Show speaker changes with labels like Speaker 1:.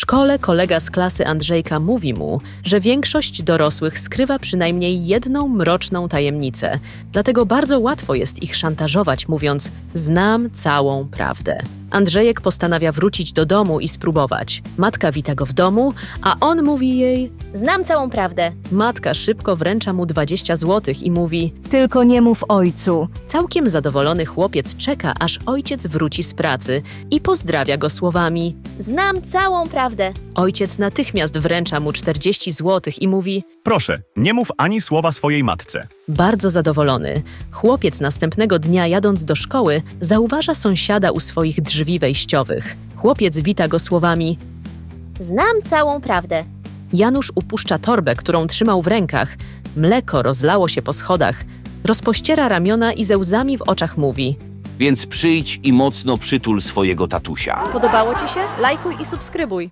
Speaker 1: szkole kolega z klasy Andrzejka mówi mu, że większość dorosłych skrywa przynajmniej jedną mroczną tajemnicę, dlatego bardzo łatwo jest ich szantażować, mówiąc: znam całą prawdę. Andrzejek postanawia wrócić do domu i spróbować. Matka wita go w domu, a on mówi jej:
Speaker 2: Znam całą prawdę.
Speaker 1: matka szybko wręcza mu 20 zł i mówi:
Speaker 3: Tylko nie mów ojcu.
Speaker 1: całkiem zadowolony chłopiec czeka, aż ojciec wróci z pracy i pozdrawia go słowami.
Speaker 2: Znam całą prawdę.
Speaker 1: Ojciec natychmiast wręcza mu 40 zł i mówi:
Speaker 4: Proszę, nie mów ani słowa swojej matce.
Speaker 1: bardzo zadowolony. Chłopiec następnego dnia, jadąc do szkoły, zauważa sąsiada u swoich drzwi wejściowych. Chłopiec wita go słowami.
Speaker 2: Znam całą prawdę.
Speaker 1: Janusz upuszcza torbę, którą trzymał w rękach. Mleko rozlało się po schodach. Rozpościera ramiona i ze łzami w oczach mówi.
Speaker 5: Więc przyjdź i mocno przytul swojego tatusia.
Speaker 6: Podobało Ci się? Lajkuj i subskrybuj.